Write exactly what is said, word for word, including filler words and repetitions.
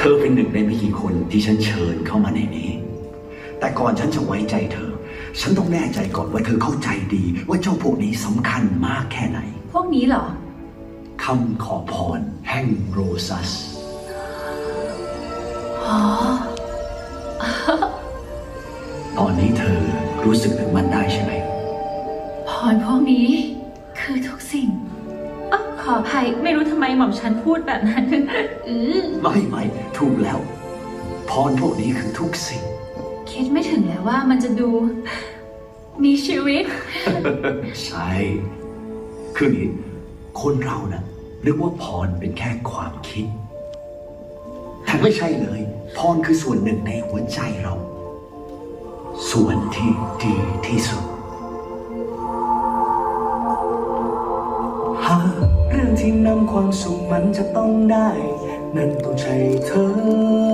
ธอเป็นหนึ่งในไม่กี่คนที่ฉันเชิญเข้ามาในนี้แต่ก่อนฉันจะไว้ใจเธอฉันต้องแน่ใจก่อนว่าเธอเข้าใจดีว่าเจ้าพวกนี้สำคัญมากแค่ไหนพวกนี้เหรอคำขอพรแห่งโรซัสอ๋อตอนนี้เธอรู้สึกถึงมันได้ใช่ไหมพรพวกนี้คือทุกสิ่งอ๋อขออภัยไม่รู้ทำไมหม่อมฉันพูดแบบนั้นอือไม่ไม่ถูกแล้วพรพวกนี้คือทุกสิ่งคิดไม่ถึงเลยว่ามันจะดูมีชีวิตใช่คือนี้คนเรานะ่ะนึกว่าพรเป็นแค่ความคิดแต่ไม่ใช่เลยพรคือส่วนหนึ่งในหัวใจเราส่วนที่ดีที่สุดหากเรื่องที่นำความสุขมันจะต้องได้นั่นต้องใช่เธอ